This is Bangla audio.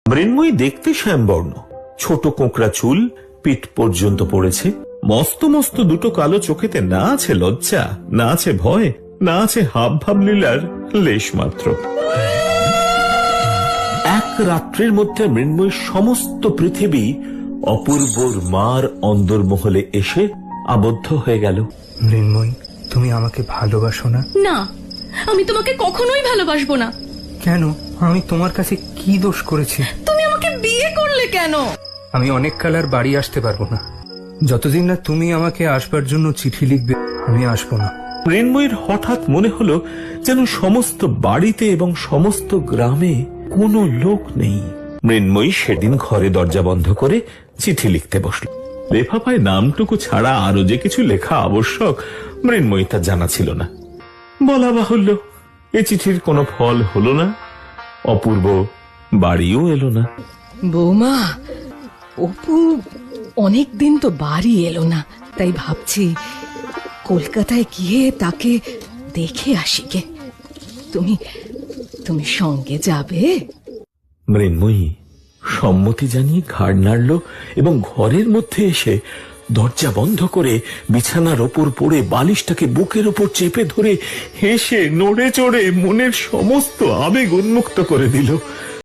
মৃন্ময়ী দেখতে শ্যামবর্ণ, ছোট কোঁকড়া চুল পিঠ পর্যন্ত পড়েছে, মস্ত মস্ত দুটো কালো চোখেতে না আছে লজ্জা, না আছে ভয়, না আছে হাব ভাব লীলার লেশ মাত্র। এক রাত্রের মধ্যে মৃন্ময়ীর সমস্ত পৃথিবী অপূর্বর মার অন্দরমহলে এসে আবদ্ধ হয়ে গেল। মৃন্ময়ী, তুমি আমাকে ভালোবাসো না? না, আমি তোমাকে কখনোই ভালোবাসবো না। কেন? আমি তোমার কাছে কি দোষ করেছি? তুমি আমাকে বিয়ে করলে কেন? আমি অনেক কাল আর বাড়ি আসতে পারবো না। যতদিন না তুমি আমাকে আসবার জন্য চিঠি লিখবে, আমি আসবো না। মৃন্ময়ীর হঠাৎ মনে হলো যেন সমস্ত বাড়িতে এবং সমস্ত গ্রামে কোনো লোক নেই। মৃন্ময়ী সেদিন ঘরে দরজা বন্ধ করে চিঠি লিখতে বসল। লেফাফায় নামটুকু ছাড়া আরো যে কিছু লেখা আবশ্যক মৃন্ময়ী তা জানা ছিল না। বলা বাহুল্য, এ চিঠির কোনো ফল হলো না, অপূর্ব বাড়িও এলো না। বৌমা, অপু অনেকদিন তো বাড়ি এলো না, তাই ভাবছি কলকাতায় গিয়ে তাকে দেখে আসি গে। তুমি তুমি সঙ্গে যাবে? মৃন্ময়ী সম্মতি জানিয়ে ঘাড় নাড়ল এবং ঘরের মধ্যে এসে দরজা বন্ধ করে বিছানার ওপর পড়ে বালিশটাকে বুকের ওপর চেপে ধরে হেসে নড়ে চড়ে মনের সমস্ত আবেগ উন্মুক্ত করে দিল।